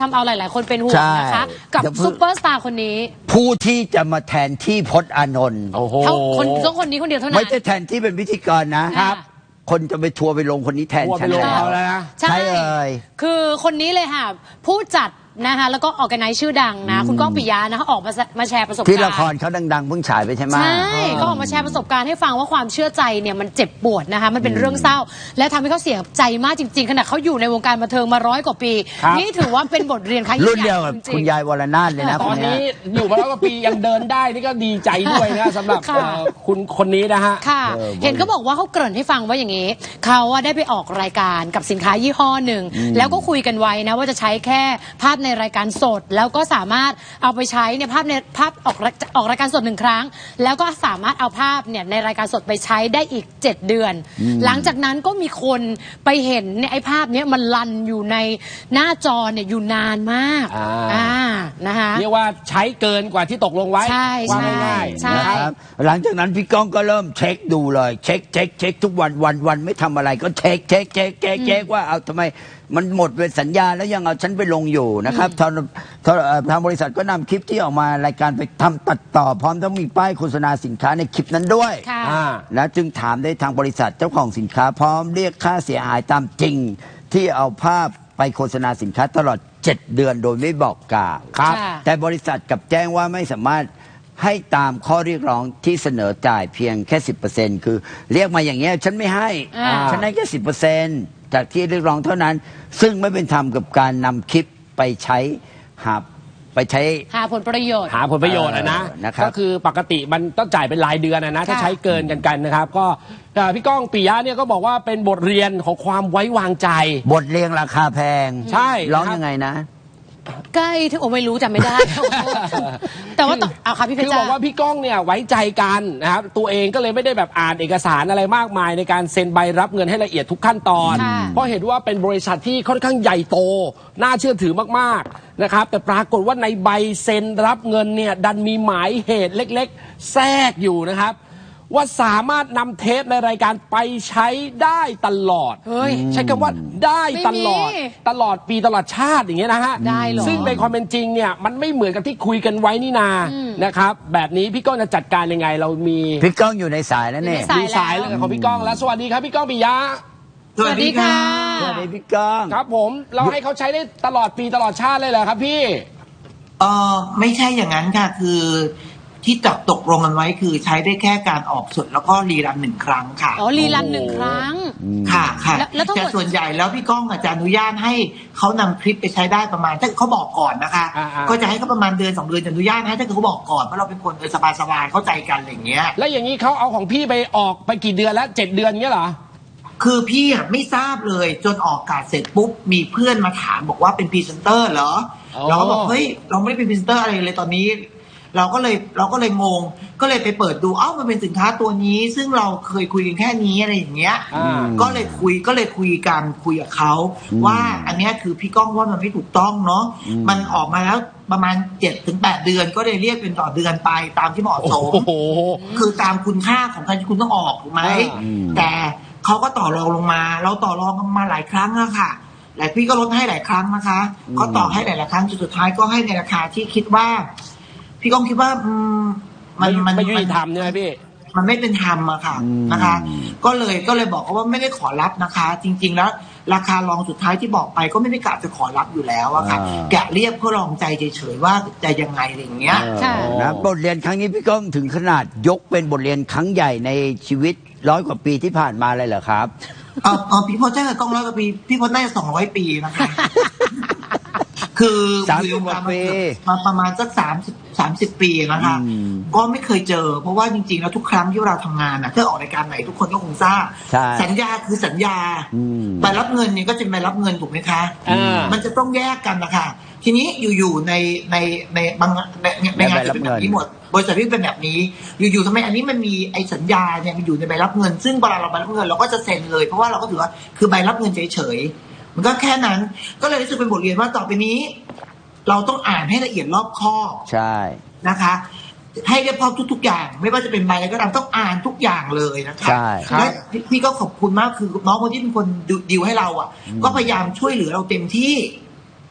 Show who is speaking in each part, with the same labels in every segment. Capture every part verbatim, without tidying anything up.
Speaker 1: ทำเอาหลายๆคนเป็นห่วงนะคะกับซุปเปอร์สตาร์คนนี้
Speaker 2: ผู้ที่จะมาแทนที่พจน์อานนท์
Speaker 1: โอ้โหคนต้องคนนี้คนเดียวเท่านั้น
Speaker 2: ไม่ใช่แทนที่เป็นพิธีกรนะครับคนจะไปทัวร์ไปลงคนนี้แทนฉันแล้ว
Speaker 1: ใช่เลยคือคนนี้เลยค่ะผู้จัดนะคะแล้วก็ออแกไนซ์ชื่อดังนะคุณก้องปิยะนะคะออกมามาแชร์ประสบการณ์
Speaker 2: ที่ละครเขาดังๆเพิ่งฉายไปใช่ไหม
Speaker 1: ใช่ก็ออกมาแชร์ประสบการณ์ให้ฟังว่าความเชื่อใจเนี่ยมันเจ็บปวดนะคะมันเป็นเรื่องเศร้าและทำให้เขาเสียใจมากจริงๆขณะเขาอยู่ในวงการบันเทิงมาร้อยกว่าปีนี่ถือว่าเป็นบทเรียนครั้งใหญ่
Speaker 2: รุ่นเดียวกับคุณยายวรนาถเลยนะ
Speaker 3: ตอนนี้อยู่มาร้อยกว่าปียังเดินได้นี่ก็ดีใจด้วยนะสำหรับคุณคนนี้นะฮะ
Speaker 1: ค่ะเห็นเขาบอกว่าเขาเกริ่นให้ฟังว่าอย่างนี้เขาได้ไปออกรายการกับสินค้ายี่ห้อหนึ่งแล้วก็คุยกันไว้นะว่าจะใช้แค่ภาพในรายการสดแล้วก็สามารถเอาไปใช้ในภาพในภาพออกออกรายการสดหนึ่งครั้งแล้วก็สามารถเอาภาพเนี่ยในรายการสดไปใช้ได้อีกเจ็ดเดือนหลังจากนั้นก็มีคนไปเห็นเนี่ยไอ้ภาพนี้มันลันอยู่ในหน้าจอเนี่ยอยู่นานมากอ่านะคะ
Speaker 3: เรียกว่าใช้เกินกว่าที่ตกลงไว้
Speaker 1: ใช่ใช่
Speaker 2: ใช่ครับหลังจากนั้นพี่ก้องก็เริ่มเช็คดูเลยเช็คเช็คเช็คทุกวันวันวันไม่ทำอะไรก็เช็คเช็คเช็คเช็คเช็คว่าเอาทำไมมันหมดเป็นสัญญาแล้วยังเอาฉันไปลงอยู่นะครับทางทางบริษัทก็นำคลิปที่ออกมารายการไปทำตัดต่อพร้อมต้องมีป้ายโฆษณาสินค้าในคลิปนั้นด้วยและจึงถามได้ทางบริษัทเจ้าของสินค้าพร้อมเรียกค่าเสียหายตามจริงที่เอาภาพไปโฆษณาสินค้าตลอดเจ็ดเดือนโดยไม่บอกกล่าวแต่บริษัทกลับแจ้งว่าไม่สามารถให้ตามข้อเรียกร้องที่เสนอจ่ายเพียงแค่ สิบเปอร์เซ็นต์ คือเรียกมาอย่างเงี้ยฉันไม่ให้ฉันให้แค่ สิบเปอร์เซ็นต์ จากที่เรียกร้องเท่านั้นซึ่งไม่เป็นธรรมกับการนำคลิปไปใช้หาไปใช้
Speaker 1: หาผลประโยชน์
Speaker 3: หาผลประโยชน์นะก็คือปกติมันต้องจ่ายเป็นรายเดือนนะถ้าใช้เกินกันกันนะครับก็พี่ก้องปิยะเนี่ยก็บอกว่าเป็นบทเรียนของความไว้วางใจ
Speaker 2: บทเรียนราคาแพง
Speaker 3: ใช่
Speaker 2: ร้องยังไงนะ
Speaker 1: ใกล้ที่โอไม่รู้จำไม่ได้แต่ว่าเอาค่ะพี่เพชร
Speaker 3: คือบอกว่าพี่ก้องเนี่ยไว้ใจกันนะครับตัวเองก็เลยไม่ได้แบบอ่านเอกสารอะไรมากมายในการเซ็นใบรับเงินให้ละเอียดทุกขั้นตอนเพราะเห็นว่าเป็นบริษัทที่ค่อนข้างใหญ่โตน่าเชื่อถือมากๆนะครับแต่ปรากฏว่าในใบเซ็นรับเงินเนี่ยดันมีหมายเหตุเล็กๆแทรกอยู่นะครับว่าสามารถนำเทปในรายการไปใช้ได้ตลอดใช้คำว่าได้ตลอดตลอดปีตลอดชาติอย่างเงี้ยนะฮะซึ่งในความเป็นจริงเนี่ยมันไม่เหมือนกับที่คุยกันไว้นี่นานะครับแบบนี้พี่ก้องจะจัดการยังไงเรามี
Speaker 2: พี่ก้องอยู่ในสายแล้วเนี่ย
Speaker 3: มีสายแล้วของพี่ก้องแล้วสวัสดีครับพี่ก้องปิยะ
Speaker 1: สวัสดีค่ะ
Speaker 2: สวัสดีพี่ก้อง
Speaker 3: ครับผมเราให้เขาใช้ได้ตลอดปีตลอดชาติเลยเหรอครับพี่
Speaker 4: เออไม่ใช่อย่างนั้นค่ะคือที่จับตกลงกันไว้คือใช้ได้แค่การออกสดแล้วก็รีรันหนึ่งครั้งค่ะ
Speaker 1: อ๋อรีรันหนึ่งครั้ง
Speaker 4: ค่ะค่ะแต่ส่วนใหญ่แล้วพี่ก้องอาจจะอนุญาตให้เขานำคลิปไปใช้ได้ประมาณถ้าเขาบอกก่อนนะคะก็จะให้เขาประมาณเดือนสองเดือนจะอนุญาตให้ถ้าเขาบอกก่อนเพราะเราเป็นคนสบายสบายเข้าใจกันอะไรอย่างเงี้ย
Speaker 3: แล้วอย่างนี้เขาเอาของพี่ไปออกไปกี่เดือนแล้วเจ็ดเดือนเงี้ยเหรอ
Speaker 4: คือพี่อ่ะไม่ทราบเลยจนออกอากาศเสร็จปุ๊บมีเพื่อนมาถามบอกว่าเป็นพรีเซนเตอร์เหรอเราก็บอกเฮ้ยเราไม่ได้เป็นพรีเซนเตอร์อะไรเลยตอนนี้เราก็เลยเราก็เลยงงก็เลยไปเปิดดูเอ้ามันเป็นสินค้าตัวนี้ซึ่งเราเคยคุยกันแค่นี้อะไรอย่างเงี้ยก็เลยคุยก็เลยคุยกันคุยกับเขาว่าอันนี้คือพี่ก้องว่ามันไม่ถูกต้องเนาะมันออกมาแล้วประมาณเจ็ดถึงแปดเดือนก็เลยเรียกเป็นต่อเดือนไปตามที่เหมาะสมคือตามคุณค่าของการที่คุณต้องออกถูกไหมแต่เขาก็ต่อรองลงมาเราต่อรองกันมาหลายครั้งอะค่ะหลายพี่ก็ลดให้หลายครั้งนะคะเขาต่อให้หลายๆครั้งจนสุดท้ายก็ให้ในราคาที่คิดว่าพี่ก้องคิดว่า
Speaker 3: มันมันไม่ยุติธรรมใช่ไหมพี่
Speaker 4: มันไม่เป็นธรรมอะค่ะนะคะก็เลยก็เลยบอกเขาว่าไม่ได้ขอรับนะคะจริงๆแล้วราคารองสุดท้ายที่บอกไปก็ไม่ได้กะจะขอรับอยู่แล้วอะค่ะแกะเรียกเพื่อลองใจเฉยๆว่าจะยังไงอะไรอย่างเงี้ย
Speaker 2: นะบทเรียนครั้งนี้พี่ก้องถึงขนาดยกเป็นบทเรียนครั้งใหญ่ในชีวิตร้อยกว่าปีที่ผ่านมาเลยเหรอครับ
Speaker 4: เออเออพี่พจน์ใช่กับก้องร้อยกว่าปีพี่พจน์ได้สองร้อยปีนะคะคือ
Speaker 2: สามสิบกว่าปี
Speaker 4: มาประมาณสักสามสิบสามสิบปีนะคะก็ไม่เคยเจอเพราะว่าจริงๆแล้วทุกครั้งที่เราทำงานนะถ้าออกรายการไหนทุกคนก็คงทราบสัญญาคือสัญญาใบรับเงินนี่ก็จะใบรับเงินถูกไหมคะมันจะต้องแยกกันนะคะทีนี้อยู่ๆในในในบางในในงานจะเป็นแบบนี้หมดบริษัทที่เป็นแบบนี้อยู่ๆทำไมอันนี้มันมีไอ้สัญญาเนี่ยมันอยู่ในใบรับเงินซึ่งเวลาเราใบรับเงินเราก็จะเซ็นเลยเพราะว่าเราก็ถือว่าคือใบรับเงินเฉยๆมันก็แค่นั้นก็เลยรู้สึกเป็นบทเรียนว่าต่อไปนี้เราต้องอ่านให้ละเอียดรอบคอบ
Speaker 2: ใช่
Speaker 4: นะคะให้เรียบร้อยทุกๆอย่างไม่ว่าจะเป็นใบอะไรก็ตามต้องอ่านทุกอย่างเลยนะคะ
Speaker 2: ใช่
Speaker 4: และพี่ก็ขอบคุณมากคือน้องคนที่เป็นคนดิวให้เราอ่ะก็พยายามช่วยเหลือเราเต็มที่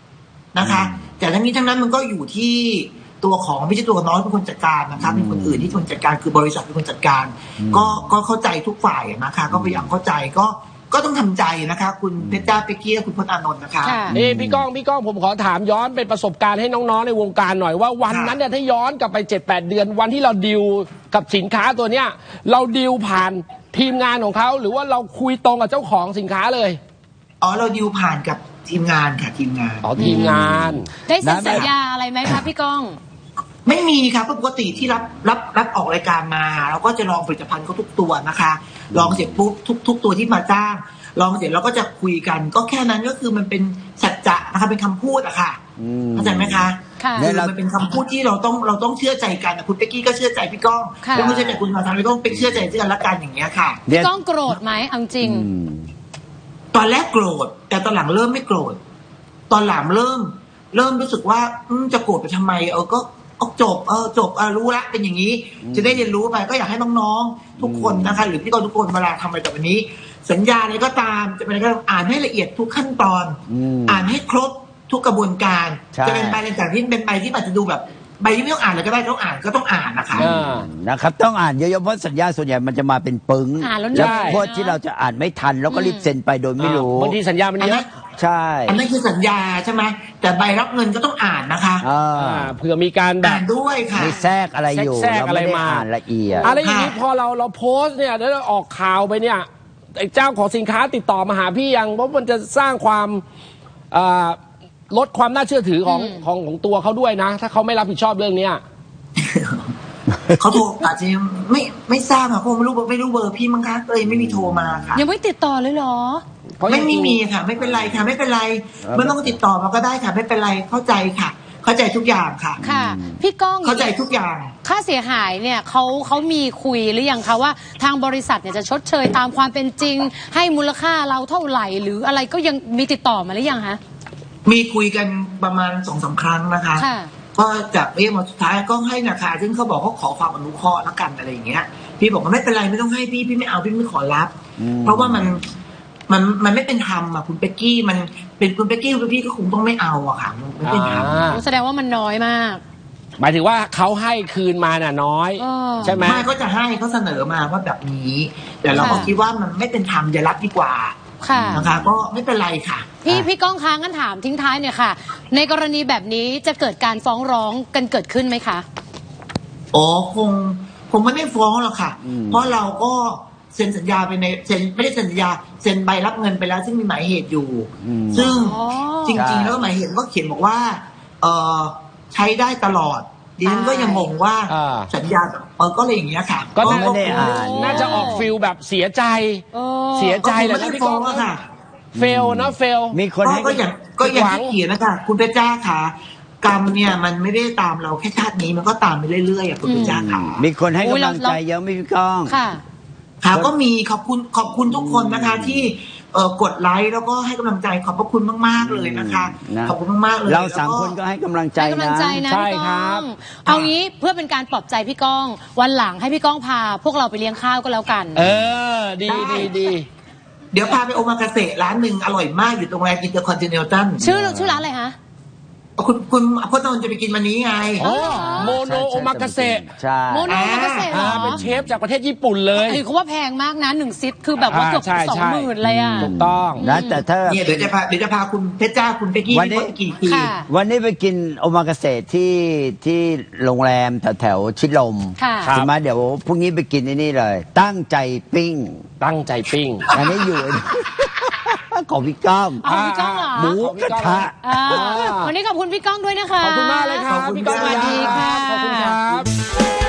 Speaker 4: นะคะ แต่ทั้งนี้ทั้งนั้นมันก็อยู่ที่ตัวของไม่ใช่ตัวน้องเป็นคนจัดการนะคะเป็นคนอื่นที่คนจัดการคือบริษัทเป็นคนจัดการ ก็ก็เข้าใจทุกฝ่ายนะคะ ก็พยายามเข้าใจก็ก็ต้องทำใจนะคะ คุณเพชรจ้าเป๊กกี้คุณพจน์อานนท์นะคะ
Speaker 1: ค่ะ
Speaker 3: นี่พี่ก้องพี่ก้องผมขอถามย้อนเป็นประสบการณ์ให้น้องๆในวงการหน่อยว่าวันนั้นเนี่ยถ้าย้อนกลับไป เจ็ดแปด เดือนวันที่เราดีลกับสินค้าตัวเนี้ยเราดีลผ่านทีมงานของเขาหรือว่าเราคุยตรงกับเจ้าของสินค้าเลย
Speaker 4: อ๋อเราดิวผ่านกับทีมงานค่ะทีมงาน
Speaker 3: อ๋อทีมงาน
Speaker 1: ได้เซ็นสัญญาอะไรไหมคะพี่ก้อง
Speaker 4: ไม่มีครับปกติที่รับรับรับออกรายการมาเราก็จะลองผลิตภัณฑ์เขาทุกตัวนะคะลองเสร็จปุ๊บทุกทุกตัวที่มาจ้างลองเสร็จเราก็จะคุยกัน ก็แค่นั้นก็คือมันเป็นสัจจะนะคะเป็นคำพูดอะค่ะเข้าใจไหมคะ
Speaker 1: ค่ะ
Speaker 4: คือมันเป็นคำพูดที่เราต้องเราต้องเชื่อใจกันนะคุณเป๊กกี้ก็เชื่อใจพี่ก้อง
Speaker 1: ค่ะ
Speaker 4: แล้วคุณเชื่อใจคุณมาทำพี่ก้องเป็นเชื่อใจซึ่งกันและกันอย่างเงี้ยค่ะ
Speaker 1: พี่ก้องโกรธไหมเอาจริง
Speaker 2: อืม
Speaker 4: ตอนแรกโกรธแต่ตอนหลังเริ่มไม่โกรธตอนหลังเริ่ม เริ่มรู้สึกว่าอืมจะโกรธไปทำไมเออก็เอาจบเออจบเออรู้ละเป็นอย่างนี้ จะได้เรียนรู้ไปก็อยากให้น้องๆทุกคนนะคะ หรือพี่กรทุกคนเวลาทำอะไรต่อไปนี้ สัญญาอะไรก็ตามจะเป็นอะไรก็ตามอ่านให้ละเอียดทุกขั้นตอน
Speaker 2: อืม
Speaker 4: อ่านให้ครบทุกกระบวนการ
Speaker 2: ใช่
Speaker 4: จะเป็นใบต่างๆที่เป็นใบที่อาจจะดูแบบใบที่ไม่ต้องอ่านเลยก็ได้ต้องอ่านก็ต้องอ่านนะคะ
Speaker 3: เออ
Speaker 2: นะครับต้องอ่านเยอะๆเพราะสัญญาส่วนใหญ่มันจะมาเป็นปึ้ง
Speaker 1: อ่านแล้ว
Speaker 2: แล้ว
Speaker 1: เหนื่อย
Speaker 2: พวก
Speaker 1: นะ
Speaker 2: ที่เราจะอ่านไม่ทันแล้วก็รีบเซ็นไปโดยไม่รู้
Speaker 3: บางทีสัญญามันเยอะ
Speaker 2: ใช่
Speaker 4: อันนั้นคือสัญญาใช่ไหมแต่ใบรับเงินก็ต้องอ่านนะคะ
Speaker 2: อ่า
Speaker 3: อ่าเผื่อมีการแบ
Speaker 4: อ่า
Speaker 3: บ
Speaker 4: นด้วยค่ะ
Speaker 2: มีแทรกอะไรอยู่
Speaker 3: แทรก
Speaker 2: เรา
Speaker 3: อะไร
Speaker 2: ไม่ได้
Speaker 3: มา
Speaker 2: อ่านละเอียด
Speaker 3: อะไรอย่างนี้พอเราเราโพสต์เนี่ยแล้วเราออกข่าวไปเนี่ยไอ้เจ้าของสินค้าติดต่อมาหาพี่ยังเพราะมันจะสร้างความอ่าลดความน่าเชื่อถือของของของตัวเขาด้วยนะ ถ้าเขาไม่รับผิดชอบเรื่องเนี้ย
Speaker 4: เขาโทรอาจจะยังไม่ไม่ทราบค่ะคงไม่รู้ไม่รู้เบอร์พี่มั้งคะเลยไม่มีโทรมาค่ะ
Speaker 1: ยังไม่ติดต่อเลยเหรอ
Speaker 3: เพราะ
Speaker 4: ไม่
Speaker 3: จ
Speaker 4: ไม่
Speaker 3: ริงๆ
Speaker 4: มีค่ะ ไม่เป็นไรค่ะ ไม่เป็นไร
Speaker 2: เออ
Speaker 4: ไม่ต้องติดต่อมาก็ได้ค่ะ ไม่เป็นไรเข้าใจค่ะ เข้าใจทุกอย่างค่ะ
Speaker 1: ค่ะ พี่ก้อง
Speaker 4: เข้าใจทุกอย่าง
Speaker 1: ค่าเสียหายเนี่ยเขาเขามีคุยหรือยังคะว่าทางบริษัทเนี่ยจะชดเชยตามความเป็นจริง ให้มูลค่าเราเท่าไหร่ หรืออะไรก็ยังมีติดต่อมาหรือยังคะ
Speaker 4: มีคุยกันประมาณสองสามครั้งนะคะ
Speaker 1: ค่ะ
Speaker 4: ก็จากเรียกมาสุดท้ายก็ให้ราคาซึ่งเขาบอกเขาขอความอนุเคราะห์แล้วกันอะไรอย่างเงี้ย พี่บอกว่าไม่เป็นไรไม่ต้องให้พี่พี่ไม่เอาพี่ไม่ขอรับ
Speaker 2: อืม
Speaker 4: เพราะว่ามันมันมันไม่เป็นธรรมอ่ะคุณเป๊กกี้มันเป็นคุณเป๊กกี้คุณพี่ก็คงต้องไม่เอาอะค่ะมันไม่เป็นธรรม
Speaker 3: อ่า
Speaker 1: แสดงว่ามันน้อยมาก
Speaker 3: หมายถึงว่าเขาให้คืนมาน่ะน้อย
Speaker 1: เออ
Speaker 3: ใช่ไหม
Speaker 4: ไม่ก็จะให้เขาเสนอมาว่าแบบนี้ แต่เราก็
Speaker 1: ค่ะ
Speaker 4: คิดว่ามันไม่เป็นธรรมอย่ารับดีกว่า
Speaker 1: ค่ะ
Speaker 4: นะคะ ก็ไม่เป็นไรค่ะ
Speaker 1: พี่พี่ก้องค้างกันถามทิ้งท้ายเนี่ยค่ะ ในกรณีแบบนี้จะเกิดการฟ้องร้องกันเกิดขึ้นไหมคะ
Speaker 4: อ๋อคงคงไม่ได้ฟ้องหรอกค่ะ
Speaker 2: อืม
Speaker 4: เพราะเราก็เซ็นสัญญาไปในเซ็นไม่ได้เซ็นสัญญาเซ็นใบรับเงินไปแล้ว ซึ่งมีหมายเหตุอยู่
Speaker 2: อืม
Speaker 4: ซึ่ง
Speaker 1: อ๋อ
Speaker 4: จริงๆแล้วหมายเหตุก็เขียนบอกว่าเออใช้ได้ตลอดดิฉันก็ยังงงว่า
Speaker 3: อ่า
Speaker 4: สัญญาเออก็เลยอย่างเงี้ยค่ะ
Speaker 3: ก็น่า
Speaker 2: ไม่ได้อ่าน
Speaker 3: น่าจะออกฟิลแบบเสียใจ
Speaker 1: โอ้
Speaker 3: เสีย
Speaker 4: ก็
Speaker 3: ใจ
Speaker 4: คง
Speaker 3: เลย
Speaker 4: ไม่
Speaker 3: นะ
Speaker 4: ได้
Speaker 3: พี่
Speaker 4: ฟ้
Speaker 3: ก้
Speaker 4: อ
Speaker 3: อง ง
Speaker 4: อะค่ะ
Speaker 3: เฟลนะเฟล
Speaker 2: มีคน
Speaker 4: ก็
Speaker 2: ให้
Speaker 4: ก็อย่างก็อย่าง
Speaker 3: หวัง
Speaker 4: ที่เขียนนะคะคุณเพชรจ้าค่ะกรรมเนี่ยมันไม่ได้ตามเราแค่ชาตินี้มันก็ตามไปเรื่อยๆอ่ะคุณเพชรจ้าค่ะ
Speaker 2: มีคนให้
Speaker 1: อุ๊ย
Speaker 2: กำลัง
Speaker 1: เรา
Speaker 2: ใจเยอะไหม่พี่ก้อง
Speaker 1: ค่ะ
Speaker 4: ค่ะก็มีขอบคุณขอบคุณทุกคนนะคะ ที่เอ่อกดไลค์แล้วก็ให้กำลังใจขอบพระคุณมากๆเลยนะคะ
Speaker 2: นะ
Speaker 4: ขอบคุณมากๆเลย
Speaker 2: เราสาม
Speaker 4: แล้ว
Speaker 2: คนก็ให้กำลังใจ
Speaker 1: ให้กำลัง
Speaker 2: นะ
Speaker 1: ใจนะ
Speaker 3: ใช่
Speaker 1: พี่
Speaker 3: ครั
Speaker 1: ก้อบ งเอางี้เพื่อเป็นการปลอบใจพี่ก้อง วันหลังให้พี่ก้องพา พวกเราไปเลี้ยงข้าวก็แล้วกัน
Speaker 3: เออ ดีดีดี
Speaker 4: เดี๋ยวพาไปโอมากาเสะร้านหนึ่งอร่อยมากอยู่ตรงแรมอินเตอร์คอนติเนนตัล
Speaker 1: ชื่อชื่อร้านอะไรคะ
Speaker 4: คุณคุณพจน์นนท์จะไปกินวันนี้ไง
Speaker 3: โอ้โมโนโอมากาเสะ
Speaker 2: ใช่
Speaker 1: โมโนโอมากาเสะเหร
Speaker 3: อ่า
Speaker 1: อ
Speaker 3: เป็นเชฟจากประเทศญี่ปุ่นเลย
Speaker 1: เอ้ยเขาว่าแพงมากนะหนึ่งซิทคือแบบว่าเกือบ
Speaker 3: อ่าใช่
Speaker 1: สอง
Speaker 3: ใช่
Speaker 1: หมื่นเลยอ่ะ
Speaker 3: ถูกต้อง
Speaker 2: นะแต่ถ้า
Speaker 4: เนี่ยเดี๋ยวจะพาเดี๋ยวจะพาคุณเพชรจ้าคุณเป๊กกี้
Speaker 2: วันนี้
Speaker 4: พี่พจน์กี่ที
Speaker 1: ค่ะ
Speaker 2: วันนี้ไปกินโอมากาเสะที่ที่โรงแรมแถวแถวๆชิดลม
Speaker 1: ค่ะ
Speaker 3: ครับ
Speaker 2: ใช่ไหมเดี๋ยวพรุ่งนี้ไปกินไอ้นี่เลย ตั้งใจปิ้ง
Speaker 3: ตั้งใจปิ้ง
Speaker 2: อันนี้อยู่ ของพี่ก้อง
Speaker 1: เอาพี่ก้องเหรอ
Speaker 2: หมูกระทะ
Speaker 1: อ่าวันนี้ขอบคุณพี่ก้องด้วยนะคะ
Speaker 3: ขอบคุณมากเลยครับ
Speaker 4: ขอบคุณ
Speaker 3: พี่ก้อง
Speaker 4: ครับ
Speaker 1: สวัสดีค่ะ
Speaker 3: ขอบคุณครับ